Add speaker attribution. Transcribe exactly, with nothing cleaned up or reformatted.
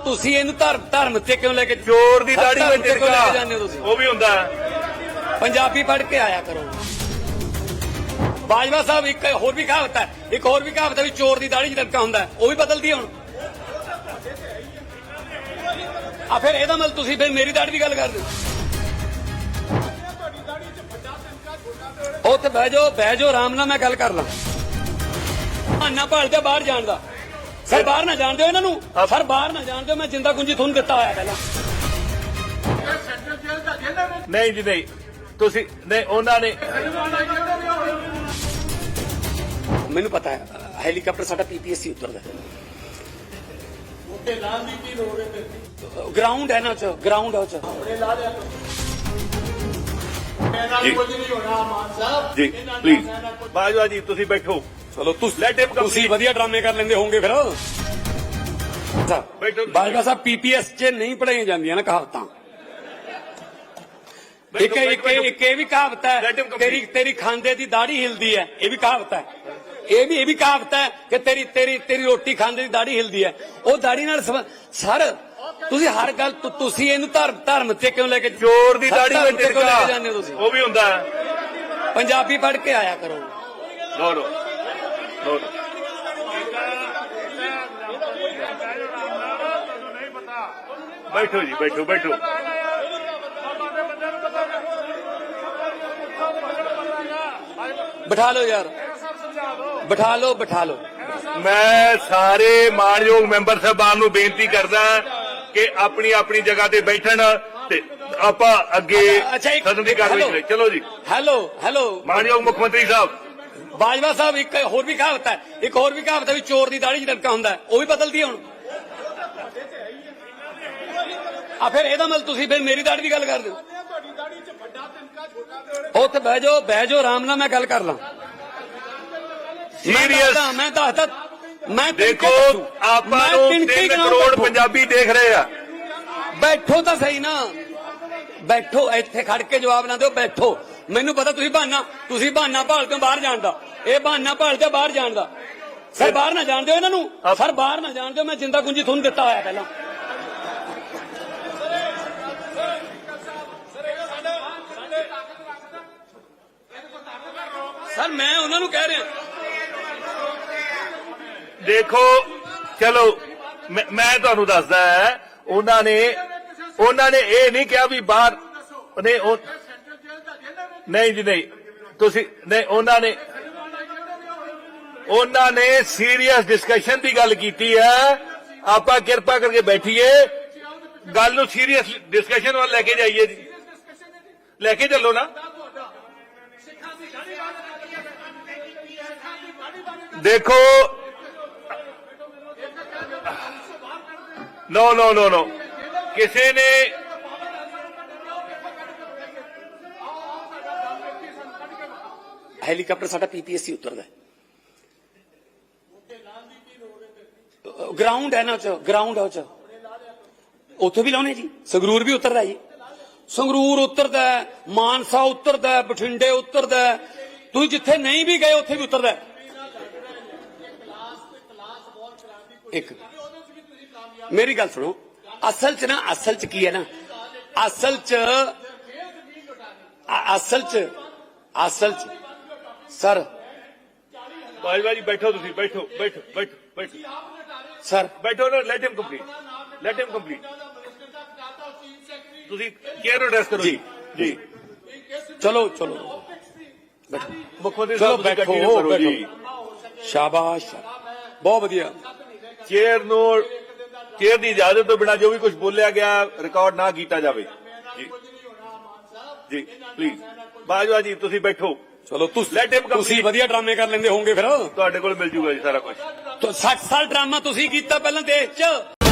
Speaker 1: ਤੁਸੀਂ ਇਹਨੂੰ ਧਰਮ ਧਰਮ ਤੇ ਕਿਉਂ ਲੈ ਕੇ
Speaker 2: ਚੋਰ ਦੀ ਦਾੜੀ ਵਿੱਚ
Speaker 1: ਕਿਉਂ ਲੈ ਕੇ
Speaker 2: ਟਿਕਾ
Speaker 1: ਜਾਂਦੇ ਹੋ ਤੁਸੀਂ?
Speaker 2: ਉਹ ਵੀ ਹੁੰਦਾ ਹੈ।
Speaker 1: ਪੰਜਾਬੀ ਪੜ੍ਹ ਕੇ ਆਇਆ ਕਰੋ। ਬਾਜਵਾ ਸਾਹਿਬ ਇੱਕ ਹੋਰ ਵੀ ਕਹਾਵਤ ਹੈ, ਇੱਕ ਹੋਰ ਵੀ ਕਹਾਵਤ ਹੈ ਵੀ ਚੋਰ ਦੀ ਦਾੜੀ 'ਚ ਟਿਕਾ ਹੁੰਦਾ ਹੈ, ਉਹ ਵੀ ਬਦਲਦੀ ਹੈ ਹੁਣ। ਆ ਫਿਰ ਇਹਦਾ ਮਤਲਬ ਤੁਸੀਂ ਫਿਰ ਮੇਰੀ ਦਾੜੀ ਦੀ ਗੱਲ ਕਰਦੇ ਹੋ। ਉੱਥੇ ਬਹਿ ਜਾਓ ਬਹਿ ਜਾਓ ਆਰਾਮ ਨਾਲ, ਮੈਂ ਗੱਲ ਕਰ ਲਾਂ। ਬਹਾਨਾ ਭਾਲਦੇ ਬਾਹਰ ਜਾਣ ਦਾ। ਸਰ ਬਾਹਰ ਨਾ ਜਾਣ ਦਿਓ ਇਹਨਾਂ ਨੂੰ, ਸਰ ਬਾਹਰ ਨਾ ਜਾਣ ਦਿਓ। ਮੈਂ ਜਿੰਦਾ ਕੁੰਜੀ ਤੁਹਾਨੂੰ ਦਿੱਤਾ ਹੋਇਆ ਪਹਿਲਾਂ।
Speaker 2: ਨਹੀਂ ਜੀ ਨਹੀਂ, ਤੁਸੀਂ ਨਹੀਂ, ਉਹਨਾਂ ਨੇ
Speaker 1: ਮੈਨੂੰ ਪਤਾ ਹੈ ਹੈਲੀਕਾਪਟਰ ਸਾਡਾ ਪੀਪੀਐਸਸੀ ਉਤਰਦਾ। ਗਰਾਊਂਡ ਹੈ ਨਾ ਉਹ 'ਚ, ਗਰਾਊਂਡ ਹੈ ਉਹ 'ਚ।
Speaker 2: ਜੀ ਪਲੀਜ਼ ਬਾਜਵਾ ਜੀ ਤੁਸੀਂ ਬੈਠੋ।
Speaker 1: ਚਲੋ ਤੁਸੀਂ
Speaker 2: Let him complete.
Speaker 1: ਤੁਸੀਂ ਵਧੀਆ ਡਰਾਮੇ ਕਰ ਲੈਂਦੇ ਹੋਵੋਗੇ ਫਿਰ।
Speaker 2: ਬੈਠੋ।
Speaker 1: ਬਾਜਵਾ ਸਾਹਿਬ ਪੀਪੀਐਸ 'ਚ ਨਹੀਂ ਪੜਾਈਆਂ ਜਾਂਦੀਆਂ ਨਾ ਕਹਾਵਤਾਂ। ਇੱਕ ਇੱਕ ਇੱਕ ਇਹ ਵੀ ਕਹਾਵਤ ਹੈ,
Speaker 2: Let him complete.
Speaker 1: ਤੇਰੀ ਤੇਰੀ ਖਾਂਦੇ ਦੀ ਦਾੜੀ ਹਿਲਦੀ ਹੈ, ਇਹ ਵੀ ਕਹਾਵਤ ਹੈ। ਇਹ ਵੀ ਇਹ ਵੀ ਕਹਾਵਤ ਹੈ ਕਿ ਤੇਰੀ ਤੇਰੀ ਤੇਰੀ ਰੋਟੀ ਖਾਂਦੇ ਦੀ ਦਾੜੀ ਹਿਲਦੀ ਹੈ। ਉਹ ਦਾੜੀ ਨਾਲ ਸਰ ਤੁਸੀਂ ਹਰ ਗੱਲ ਤੁ- ਤੁਸੀਂ ਇਹਨੂੰ ਧਰਮ ਧਰਮ ਤੇ ਕਿਉਂ ਲੈ ਕੇ
Speaker 2: ਚੋਰ ਦੀ ਦਾੜੀ
Speaker 1: ਧਰਮ
Speaker 2: ਵਿੱਚ
Speaker 1: ਤੇ ਕਿਉਂ ਲੈ ਕੇ
Speaker 2: ਟਿਕਾ
Speaker 1: ਜਾਂਦੇ ਹੋ ਤੁਸੀਂ?
Speaker 2: ਉਹ ਵੀ ਹੁੰਦਾ ਹੈ।
Speaker 1: ਪੰਜਾਬੀ ਪੜ੍ਹ ਕੇ ਆਇਆ ਕਰੋ।
Speaker 2: ਨੋ ਨੋ ਨੋ ਬੈਠੋ ਜੀ ਬੈਠੋ ਬੈਠੋ।
Speaker 1: ਬਿਠਾ ਲਓ ਯਾਰ, ਬਿਠਾ ਲਓ ਬਿਠਾ ਲਓ।
Speaker 2: ਮੈਂ ਸਾਰੇ ਮਾਣਯੋਗ ਮੈਂਬਰ ਸਾਹਿਬਾਨ ਨੂੰ ਬੇਨਤੀ ਕਰਦਾ ਕਿ ਆਪਣੀ ਆਪਣੀ ਜਗ੍ਹਾ ਤੇ ਬੈਠਣ ਤੇ ਆਪਾਂ ਅੱਗੇ
Speaker 1: ਅੱਛਾ, ਇੱਕ-
Speaker 2: ਸਦਨ ਦੀ ਕਾਰਵਾਈ ਕਰੀਏ। ਚਲੋ ਜੀ।
Speaker 1: ਹੈਲੋ ਹੈਲੋ
Speaker 2: ਮਾਣਯੋਗ ਮੁੱਖ ਮੰਤਰੀ ਸਾਹਿਬ।
Speaker 1: ਬਾਜਵਾ ਸਾਹਿਬ ਇੱਕ ਹੋਰ ਵੀ ਕਹਾਵਤ ਹੈ, ਇੱਕ ਹੋਰ ਵੀ ਕਹਾਵਤ ਹੈ ਵੀ ਚੋਰ ਦੀ ਦਾੜੀ 'ਚ ਟਿਕਾ ਹੁੰਦਾ ਹੈ, ਉਹ ਵੀ ਬਦਲਦੀ ਹੈ ਹੁਣ। ਆ ਫਿਰ ਇਹਦਾ ਮਤਲਬ ਤੁਸੀਂ ਫਿਰ ਮੇਰੀ ਦਾੜੀ ਦੀ ਗੱਲ ਕਰਦੇ ਹੋ। ਉੱਥੇ ਬਹਿ ਜਾਓ ਬਹਿ ਜਾਓ ਆਰਾਮ ਨਾਲ, ਮੈਂ ਗੱਲ ਕਰ ਲਾਂ।
Speaker 2: ਸੀਰੀਅਸ
Speaker 1: ਮੈਂ ਦੱਸਦਾ ਮੈਂ
Speaker 2: ਦੇਖੋ ਆਪਾਂ ਨੂੰ ਤਿੰਨ ਕਰੋੜ ਪੰਜਾਬੀ ਦੇਖ ਰਹੇ ਆ।
Speaker 1: ਬੈਠੋ ਤਾਂ ਸਹੀ ਨਾ, ਬੈਠੋ ਇੱਥੇ ਖੜ ਕੇ ਜਵਾਬ ਨਾ ਦਿਓ, ਬੈਠੋ। ਮੈਨੂੰ ਪਤਾ ਤੁਸੀਂ ਬਹਾਨਾ ਤੁਸੀਂ ਬਹਾਨਾ ਭਾਲਦੇ ਹੋ ਬਾਹਰ ਜਾਣ ਦਾ। ਇਹ ਬਹਾਨਾ ਭਾਲਦੇ ਬਾਹਰ ਜਾਣ ਦਾ। ਸਰ ਬਾਹਰ ਨਾ ਜਾਣ ਦਿਓ ਇਹਨਾਂ ਨੂੰ, ਸਰ ਬਾਹਰ ਨਾ ਜਾਣ ਦਿਓ। ਮੈਂ ਜਿੰਦਾ ਕੁੰਜੀ ਤੁਹਾਨੂੰ ਦਿੱਤਾ ਹੋਇਆ ਪਹਿਲਾਂ। ਸਰ ਮੈਂ ਉਹਨਾਂ ਨੂੰ ਕਹਿ ਰਿਹਾ
Speaker 2: ਦੇਖੋ ਚਲੋ ਮੈਂ ਮੈਂ ਤੁਹਾਨੂੰ ਦੱਸਦਾ ਹੈ, ਉਹਨਾਂ ਨੇ ਉਹਨਾਂ ਨੇ ਇਹ ਨਹੀਂ ਕਿਹਾ ਵੀ ਬਾਹਰ ਨਹੀਂ ਉਹ ਨਹੀਂ ਜੀ ਨਹੀਂ, ਤੁਸੀਂ ਨਹੀਂ, ਉਹਨਾਂ ਨੇ ਉਹਨਾਂ ਨੇ ਸੀਰੀਅਸ ਡਿਸਕਸ਼ਨ ਦੀ ਗੱਲ ਕੀਤੀ ਹੈ। ਆਪਾਂ ਕਿਰਪਾ ਕਰਕੇ ਬੈਠੀਏ, ਗੱਲ ਨੂੰ ਸੀਰੀਅਸ ਡਿਸਕਸ਼ਨ ਵੱਲ ਲੈ ਕੇ ਜਾਈਏ ਜੀ। ਲੈ ਕੇ ਚੱਲੋ ਨਾ। ਦੇਖੋ ਨੋ ਨੋ ਨੋ ਨੋ ਕਿਸੇ ਨੇ
Speaker 1: ਹੈਲੀਕਾਪਟਰ ਸਾਡਾ ਪੀਪੀਐਸਸੀ ਉਤਰਦਾ। ਗਰਾਊਂਡ ਹੈ ਨਾ ਉਹ 'ਚ, ਗਰਾਊਂਡ ਹੈ ਉਹ 'ਚ। ਉੱਥੇ ਵੀ ਲਾਉਣੇ ਜੀ। ਸੰਗਰੂਰ ਵੀ ਉਤਰਦਾ ਜੀ, ਸੰਗਰੂਰ ਉਤਰਦਾ, ਮਾਨਸਾ ਉਤਰਦਾ, ਬਠਿੰਡੇ ਉਤਰਦਾ। ਤੁਸੀਂ ਜਿੱਥੇ ਨਹੀਂ ਵੀ ਗਏ ਉੱਥੇ ਵੀ ਉਤਰਦਾ। ਇੱਕ ਮੇਰੀ ਗੱਲ ਸੁਣੋ, ਅਸਲ 'ਚ ਨਾ ਅਸਲ 'ਚ ਕੀ ਹੈ ਨਾ, ਅਸਲ 'ਚ ਅਸਲ 'ਚ ਅਸਲ 'ਚ ਸਰ
Speaker 2: ਬਾਜਵਾ ਜੀ ਬੈਠੋ, ਤੁਸੀਂ ਬੈਠੋ ਬੈਠੋ ਬੈਠੋ ਬੈਠੋ
Speaker 1: ਸਰ
Speaker 2: ਬੈਠੋ ਨਾ। Let him complete let him complete. ਤੁਸੀਂ ਕੇਅਰ ਐਡਰੈਸ ਕਰੋ ਜੀ। ਜੀ
Speaker 1: ਚਲੋ ਚਲੋ ਬੈਠੋ,
Speaker 2: ਮੁੱਖ ਮੰਤਰੀ
Speaker 1: ਚਲੋ
Speaker 2: ਸਾਹਿਬ ਤੁਸੀਂ
Speaker 1: ਬੈਠੋ
Speaker 2: ਕੰਟੀਨਿਊ ਕਰੋ ਜੀ।
Speaker 1: ਬੈਠੋ। ਸ਼ਾਬਾਸ਼, ਬਹੁਤ ਵਧੀਆ।
Speaker 2: ਚੇਅਰ ਨੂੰ ਚੇਅਰ ਦੀ ਇਜਾਜ਼ਤ ਤੋਂ ਬਿਨਾਂ ਜੋ ਵੀ ਕੁਝ ਬੋਲਿਆ ਗਿਆ ਰਿਕਾਰਡ ਨਾ ਕੀਤਾ ਜਾਵੇ ਜੀ। ਜੀ ਪਲੀਜ਼ ਬਾਜਵਾ ਜੀ ਤੁਸੀਂ ਬੈਠੋ।
Speaker 1: ਚਲੋ ਤੁਸੀਂ
Speaker 2: Let him complete.
Speaker 1: ਤੁਸੀਂ ਵਧੀਆ ਡਰਾਮੇ ਕਰ ਲੈਂਦੇ ਹੋਵੋਗੇ ਫਿਰ।
Speaker 2: ਤੁਹਾਡੇ ਕੋਲ ਮਿਲ ਜੂਗਾ ਜੀ ਸਾਰਾ ਕੁਝ।
Speaker 1: ਸੱਠ ਸਾਲ ਡਰਾਮਾ ਤੁਸੀਂ ਕੀਤਾ ਪਹਿਲਾਂ ਦੇਸ਼ 'ਚ।